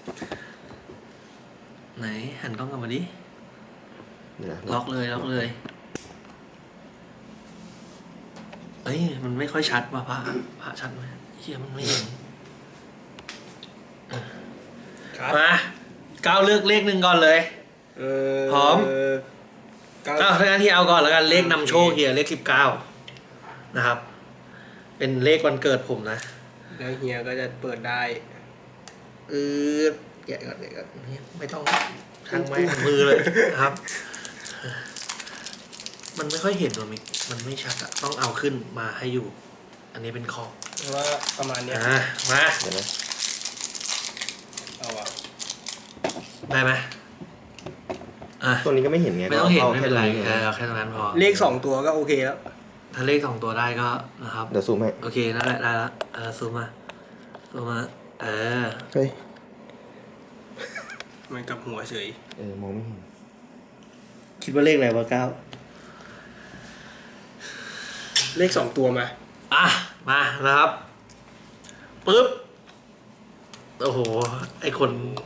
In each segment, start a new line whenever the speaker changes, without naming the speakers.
ไหนหันกล้องกลับมาดิล็อกเลยเอ้ยมันไม่ค่อยชัดว่ะพระชัดไหมเฮียมันไม่เห็นมาก้าวเลือกเลขหนึ่งก่อนเลยพร้อมถ้างั้นที่เอาก่อนแล้วกันเลขนำโชคเฮียเลข19นะครับเป็นเลขวันเกิดผมนะ
แล้วเฮียก็จะเปิดได้
แกะก่อนไม่ต้องทางไม้มือเลยนะครับ มันไม่ค่อยเห็นหรอมิกมันไม่ชัดอะต้องเอาขึ้นมาให้อยู่อันนี้เป็นคอ
เพราะว่าประมาณนี้
มา
เดี๋ยวนะ
เอาอะ
ได้ไหม
ตัวนี้ก็ไม่เห็นไง
ไม่ต้องเห็นไม่เป็นไรเอาแค่ตรงนั้นพอ
เลข2ตัวก็โอเคแล้ว
ถ้าเลข2ตัวได้ก็นะครับ
เดี๋ยวซูมให้
โอเคนั่นแหละได้แล้วซูมมา
เฮ้ย
มันกับหัวเฉย
มองไม่เห็น
คิดว่าเลขอะไรวะ9
เลข2ตัวมา
นะครับปึ๊บโอ้โหไอคน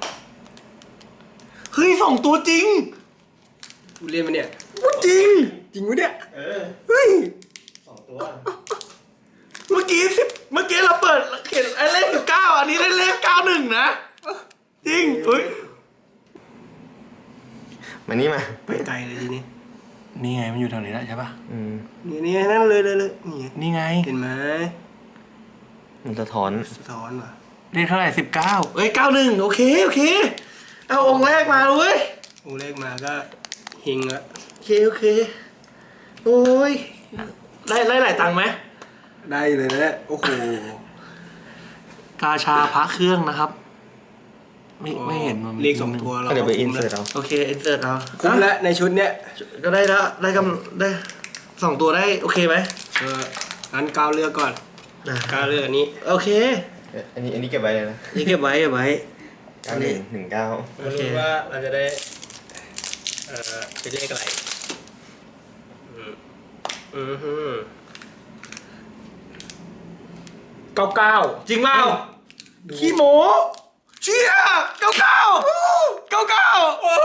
เฮ้ย2ตัวจริง
กูเล่นมาเนี่ย
จริง
วะเนี่ย
เฮ้ย2ตัวเมื่อกี้เราเปิดเห็นไอ้เลข19อันนี้ได้เลข91นะจริงอุ้ย
มานี่มา
ไปไกลเลยทีนี้
นี่ไงมันอยู่แถวนี้แล้วใช่ป่ะ
นี่นั่นเลย
นี่ไง
เห็นไหม
มันสะท้อน
ว่ะ
เลขเท่าไหร่19เอ้ย91โอเคเอาองค์แรกมาเลย
องค์แรกมาก็เฮงละ
โอเคโอ้ยได้หลายตังค์ไหม
ได้เลยนะโอ้โห
กาชาพระเครื่องนะครับไม่เห็นมัน
เลข2ตัวเรา
เดี๋ยวไปอินเสิร์ตเอา
โอเคอินเสิร์ตเอา
คุ้มแล้วในชุดเนี้ย
ก็ได้แล้วได้2ตัวได้โอเคไหม
งั้นก้าวเลือกก่อนก้าวเลือกอันนี้
โอเค
อันนี้เก็บไว้เลยนะ
นี่เก็บไว้
อันนี้19
ไม่รู้ว่าเราจะได้เป็นเลขอะไร
99จริงเปล่าขี้โม้เชี่ย99โอ้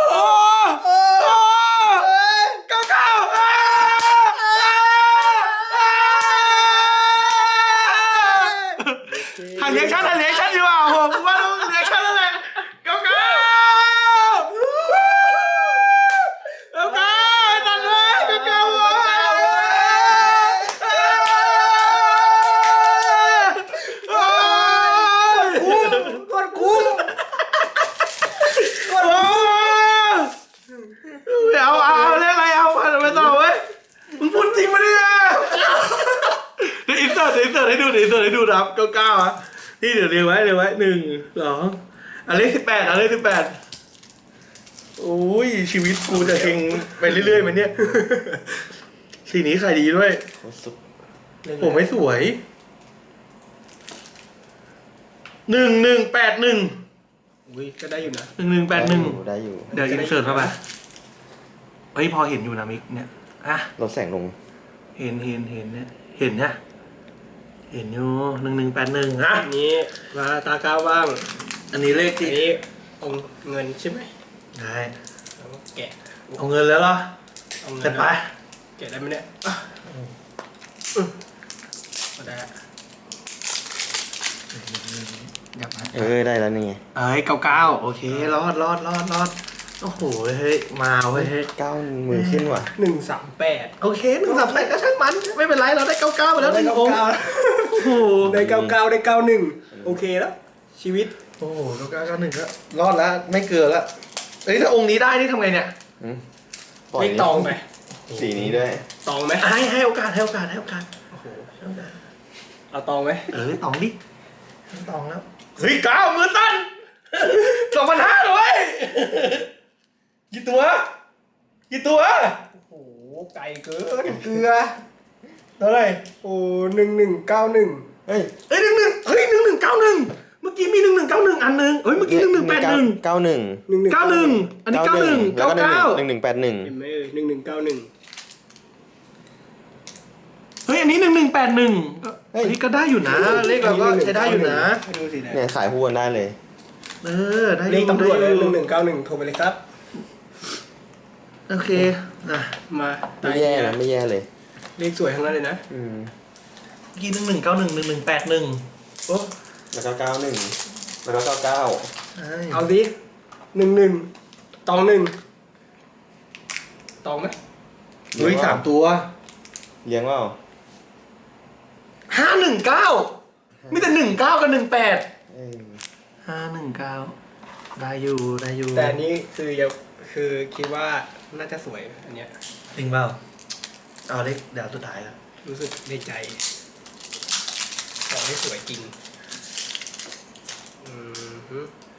หันเรียกชั่นดีกว่าโหกูว่าต้องเรียกชั่นแล้วแหละ99นั่นเลย99วะคุ้มเอาเรียกอะไรเอาไปต่อเว้ยมึงพูดจริงปะเนี่ยเดี๋ยวอินเสิร์ตให้ดูนะครับ99อ่ะนี่เดี๋ยวเรียงไว้1 2เลข18โอ้ยชีวิตกูจะเฮงไปเรื่อยๆมันเนี่ยสีนี้ขายดีด้วยผมไม่สวย1181
อุ้ยก็ได้อยู่นะ
1181
ได้อยู่
เดี๋ยวอินเสิร์ตเข้าไปเฮ้ยพอเห็นอยู่นะมิกเนี่ย
ลดแสงลง
เห็นเนี่ยเห็นอยู่1181
นี้มาตาก้าวบ้าง
อันนี้เลขที่
นี้องเงินใช่ไหม
ได้
แกะ
เอาเงินแล้วเหรอเสร็จไป
แกะได้ไหมเนี่ยได้
ได้แล้วนี่ไง
99โอเครอดโอ้โหเฮ้ยมาเว้ย
9มือขึ้นว่ะ
138
โอเค138ก็ช่างมันไม่เป็นไรเราได้99ไปแล้วได้
99โอ้โหได้99ได้91โอเคแล้วชีวิต
โอ้โห9991ก็รอดแล้วไม่เกินแล้วเอ้ยถ้าองค์นี้ได้นี่ทำไงเนี่ย
ไม่ตองไป
สีนี้ด้วย
ตองไหม
ให้โอกาสโอ้โห
เอาตองไหม
ตองดิตองแล้วเฮ้ย9มือสั้น2,500เลยกี่ตัว
โอ้โหไก่เกิน
เกลือเท่าไหร่
โอ้1191
เฮ้ย1191เมื่อกี้มี1191อันนึงเฮ้ยเมื่อกี้1181 91อันนี้91
แล้วก็1181
เห็นไหม1191
เฮ้ยอันนี้1181เฮ้ยก็ได้อยู่นะเลขเราก็ใช้ได้อยู่นะ
ดูสิ
เนี่ยขายคู่กันได้เลย
ได้
เลขตำรวจเลย
ได้อยู่
1191โทรไปเลยครับ
โอเคอ่ะ
มา
ไม่แย่นะไม่แย่เลย
เลขสวยทั้งนั้นเลยนะ
กี่11911181โอ้
แล้วก็91แล้วก็99
เอาดิ11ตอง1ตองไหม
เฮ้ย3ตัว
เลี้ยงว่า
519มีแต่19กับ18
เออ
519ได้อยู่ได้อยู่
แต่อันนี้คือคิดว่าน่าจะสวยอันเนี้ย
จริงเปล่าเอาเลขเดี๋ยวสุดท้ายแล้ว
รู้สึกในใจของที่สวยจริงฮึ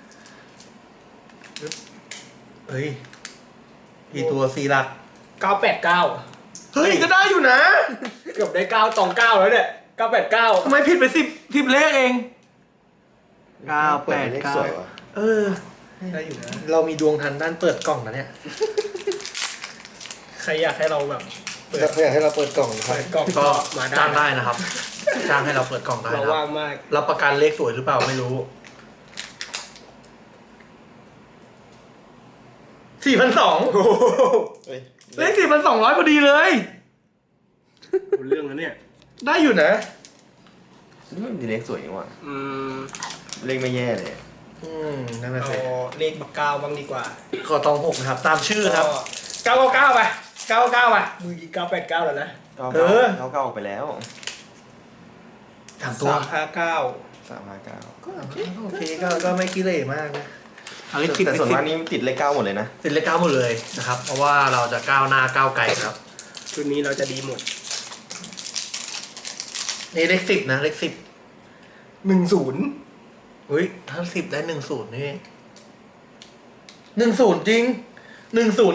เฮ้ยกี่ตัว4หลัก
989
เฮ้ยก็ได้อยู่นะ
เกือบได้9ตอง9แล้วเนี่ย989
ทำไมผิดไป10เลขเอง
เปิดเลขสวยว่ะ
เออ
ได้อยู่นะ
เรามีดวงทันด้านเปิดกล่องนะเนี่ย
ใครอยากให้เราแบบเปิด
อยากให้เราเปิดกล่องครับ
เปิดกล่อง
ก็
มาได้
จ้างได้นะครับ จ้างให้เราเปิดกล่องได้
เรา
นะค
ว่า
รับ
งมาก
รับประกันเลขสวยหรือเปล่าไม่รู้4,200
โอ้โห
เฮ้ย
เลข4,200พอดีเลย
เรื่องแล้วเนี่ย
ได้อยู่นะ
นี่มันมีเลขสวยนี่ว่ะ
อืม
เลขไม่แย่เลย
นั่นแหละ
เอา
สิ
เลขบักเก้าบ้างดีกว่า
ขอตอง6นะครับ ตามชื่อครับ
999ไป999ไปมือกี้989แล้วนะ
เออ
99ออกไปแล้ว
3ตัว
359
359
ก็โอเคก็ไม่ขี้เหร่มากนะเอาเลข10
แต่ส่วนมากนี่ติดเลข9หมดเลยนะ
ติดเลข9หมดเลยนะครับ เพราะว่าเราจะก้าวหน้าก้าวไกลครับ
ชุดนี้เราจะดีหมด
นี่เลข10นะเลข10
10
อุ้ยถ้า10ได้10นี่10จริง1012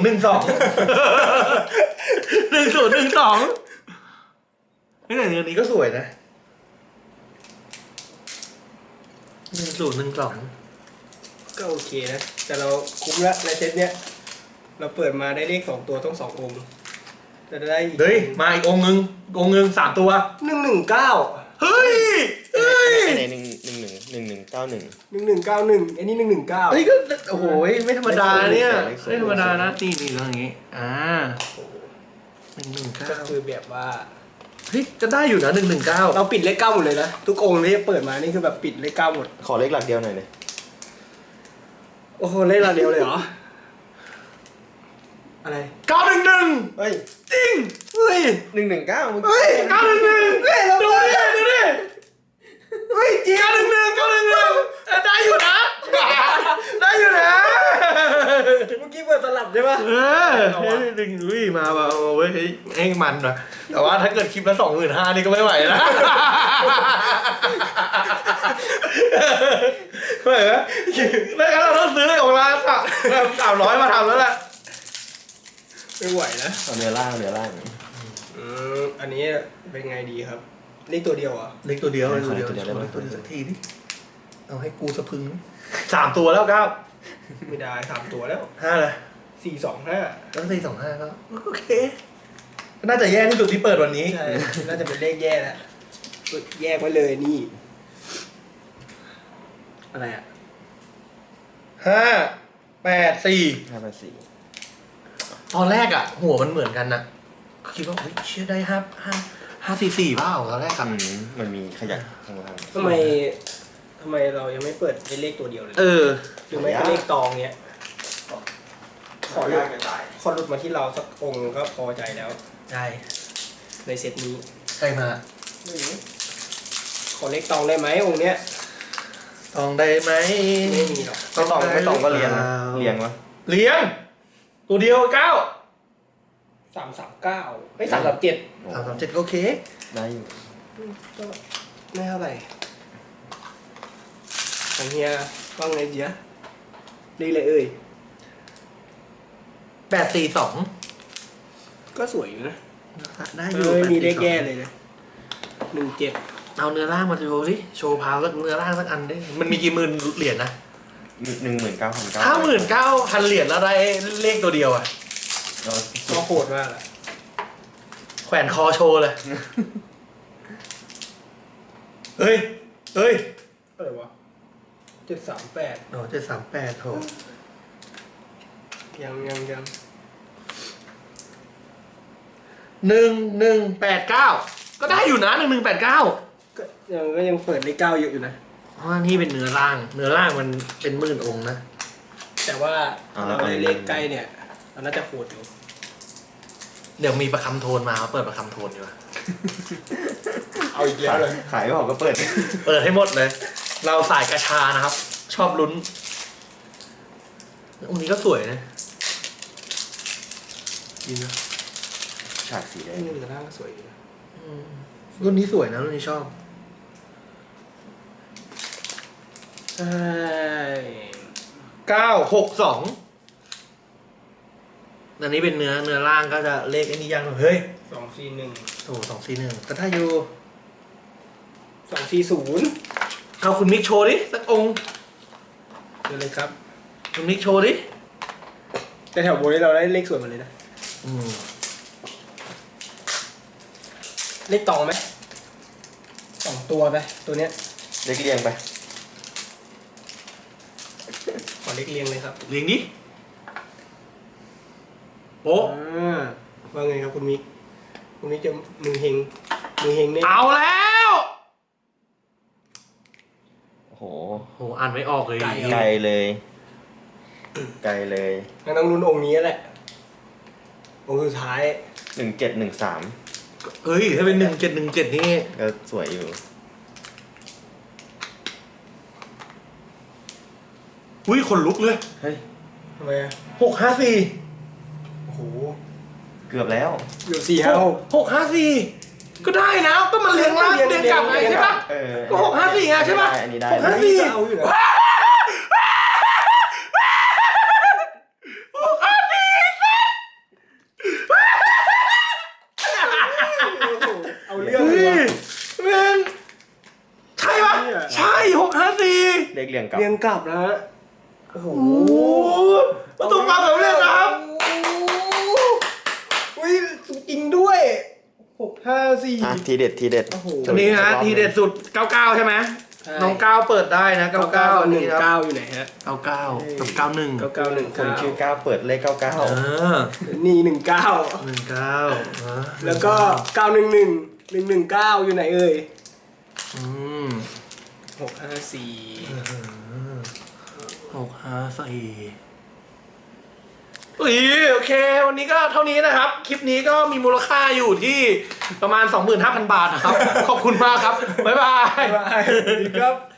1012นี่แต่เดือนนี้ก็สวยนะ1012
ก็โอเคนะ แต่เราคุ้มละในเซตเนี้ย เราเปิดมาได้เลข2ตัวต้อง2องค์จะได้อีก
เฮ้ยมาอีกองค์นึง3ตัว
119
เฮ้ย
ใน1191
1191อันนี้119
เฮ้ยก็โอ้โหไม่ธรรมดาเนี่ยไม่ธรรมดานะนี่แล้วอย่างงี้
ก็คือ
119
แบบว่า
เฮ้ยจะได้อยู่นะ119
เราปิดเลข9หมดเลยนะ ทุกองค์ที่เปิดมานี่คือแบบปิดเลข9หมด
ขอเลขหลักเดียวหน่อยเลย
โอ้โหเลขละเดียวเลยเหรอ อะไร
911
เฮ้ย
จริงเฮ้ย
119มึง
เฮ้ย
911เฮ้ยดูดิเฮ้ยจริง911ได้อยู่นะได้อยู่นะ
เมื่อกี้เปิดสลับใช่ปะ
เฮ้ยดึงอุ้ยมาเว้ยเฮ้ยเองมันว่ะแต่ว่าถ้าเกิดคลิปละ25,000นี่ก็ไม่ไหวนะไม่เหรอแล้วเราต้องซื้อของร้าน300มาทำแล้วแหละ
ไม่ไหวนะ
เอาเนื้อล่าง
อันนี้เป็นไงดีครับ เลขตัวเดียวเหรอ่ะ
เล็กตัวเดียว
ได้
เล็กตัวเดียว
ได้ไหม
เล็กตัวเดียวสักทีดิเอาให้กูสะพึง3ตัวแล้วก้าว
ไม่ได้3ตัวแล้ว
5เลย
425
แล้ว425ก็โอเคน่าจะแย่ที่สุดที่เปิดวันนี้
ใช่ น่าจะเป็นเลขแย่แล้วแยกไว้เลยนี่ อะไรอ่ะ
584
584
ตอนแรกอ่ะ หัวมันเหมือนกันนะคิดว่าเฮ้ยเชื่อได้544เปล่าตอนแรกครับ
มันมีขยักข้างล่าง
ทำไมเรายังไม่เปิดเป็นเลขตัวเดียวเลย หรือไม่ก็เลขตองเนี้ย ขอหลุดมาที่เราสักองค์ก็พอใจแล้ว
ได้
ในเซตนี้
ใครมา
ขอเลขตองได้ไหมองค์เนี้ย
ตองได้ไหม
ไม่มีหรอก
ไม่ตองก็เลี้ยงนะเลี้ยงวะ
เลี้ยง ตัวเดียว9
339ไม่337
337ก็โอเค
ได้อยู่
ก็ไม่เท่าไหร่ของเฮียว่าไงเจียเลขอะไรเอ่ย
842
ก็สวยอยู่นะ
ได้อยู่
ไม่มีเลข
842
แย่เลยนะ17
เอาเนื้อร่างมาโชว์สิโชว์พาวสักเนื้อร่างสักอันดิมันมีกี่หมื่นเหรียญนะ
19,900
59,000 เหรียญแล้วได้เลขตัวเดียวอ่ะ
ก็โหดมากอะ
แขวนคอโชว์เลย เฮ้ย
อะไรวะ 738
โอ้738โห
ยัง
1189ก็ได้อยู่นะ1189
ก็ยังเปิดเลข9เยอะอยู่นะ
เพราะว่านี่เป็นเนื้อร่างมันเป็นหมื่นองค์นะ
แต่ว่าถ้าเราได้เลขใกล้เนี่ยเราน่าจะโหดอยู่
เดี๋ยวมีประคำโทนมาเปิดประคำโทนดีกว่า
เอาอีกแล้วเลย
ขายไม่ออกก็เปิด
เปิดให้หมดเลย เราสายกระชานะครับ ชอบลุ้นองค์นี้ก็สวยนะ
จริงนะ
ฉากสีแดง
นี่เนื้อร่างก็สวยอยู่นะ
รุ่นนี้สวยนะรุ่นนี้ชอบ
ใช่
962อันนี้เป็นเนื้อร่างก็จะเลขไอ้นี่ยังเฮ้ย
241
โอ้241ก็ได้อยู่
240
เอาคุณมิกโชว์ดิสักองค์
เดี๋ยวเลยครับ
คุณมิกโชว์ดิ
แต่แถวบนนี้เราได้เลขสวยหมดเลยนะ
อืม
เลขตองไหม2ตัวไปตัวเนี้ย
เล็กเรียงไป
ขอเลขเรียงเลยครับ
เลี้ยงดิโป๊ะ
ว่าไงครับคุณมิกจะมือเฮงเนี่ย
เอาแล้ว
โอ้โห
โหอ่านไม่ออกเลย
ไกลเลย ไกลเลย
งั้นต้องลุ้นองค์นี้แหละ องค์สุดท้าย
1713
เฮ้ยถ้าเป็น1717นี่
ก็สวยอยู่
อุ้ยขนลุกเลย
เฮ้ย
ทำไมอ่ะ
654
โอ้โห
เกือบแล้ว
อยู่456
654ก็ได้นะก็มันเรียงล่างเรียงกลับไงใช่ปะ
เออ
ก็654ไงใช่ปะ
อันนี้ได้
654
เอาอยู่นะเอาเรื่อง
เฮ้
เลย
ยแม่งใช่ปะใช่654
เล็กเรียงกลับ
เรียงกลับนะฮะโอ้โห
โอ้โหประสบความสำเร็จนะครับ
อุ้ยจริงด้วย654
อ่ะทีเด็ดทีเด็ด
โอ้โห
อันนี้นะทีเด็ดสุด99ใช่ไหม
ใช่
น้องก้าวเปิดได้นะ99อันนี้ครับ
19อยู่ไหนฮะ
99กับ91
คนชื่อ
991
9เปิดเลข
เอ
99
อ
นี่19
19ฮะ
แล้วก็911 119อยู่ไหนเอ่ย
อืม
654
654อุ้ยโอเค วันนี้ก็เท่านี้นะครับ คลิปนี้ก็มีมูลค่าอยู่ที่ประมาณ 25,000 บาทนะครับ ขอบคุณมากครับ บ๊ายบาย
บ๊ายบายสวัสดีครับ